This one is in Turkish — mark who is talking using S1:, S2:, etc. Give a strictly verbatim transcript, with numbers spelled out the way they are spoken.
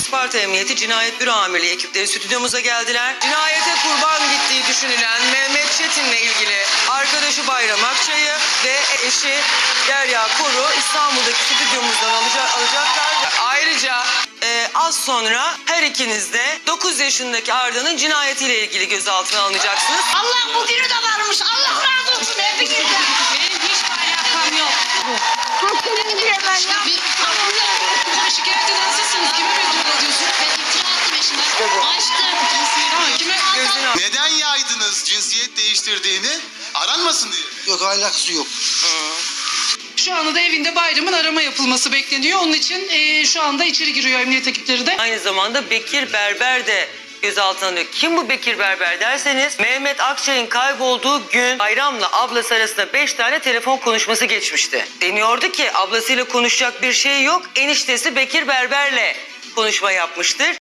S1: Isparta Emniyeti Cinayet Büro Amirliği ekipleri stüdyomuza geldiler. Cinayete kurban gittiği düşünülen Mehmet Çetin'le ilgili arkadaşı Bayram Akçay'ı ve eşi Derya Koru İstanbul'daki stüdyomuzdan alacak, alacaklar. Ayrıca e, az sonra her ikiniz de dokuz yaşındaki Arda'nın cinayetiyle ilgili gözaltına alınacaksınız.
S2: Allah bu günü de varmış. Allah razı olsun hepinizden.
S3: Benim hiç alakam yok.
S2: Hakkını diyemem ya.
S3: Bir şikayet eden sizsiniz. Kime mektup ediyorsun?
S2: Ben iftira attım eşime.
S1: İşte bu.
S2: Açtım.
S3: Tamam, kime?
S1: Gözünü al.
S4: Neden yaydınız cinsiyet değiştirdiğini? Aranmasın diye.
S5: Yok, alakası yok.
S3: Şu anda da evinde Bayram'ın arama yapılması bekleniyor. Onun için e, şu anda içeri giriyor emniyet ekipleri de.
S1: Aynı zamanda Bekir Berber de gözaltına alınıyor. Kim bu Bekir Berber derseniz Mehmet Akçay'ın kaybolduğu gün Bayram'la ablası arasında beş tane telefon konuşması geçmişti. Deniyordu ki ablasıyla konuşacak bir şey yok. Eniştesi Bekir Berber'le konuşma yapmıştır.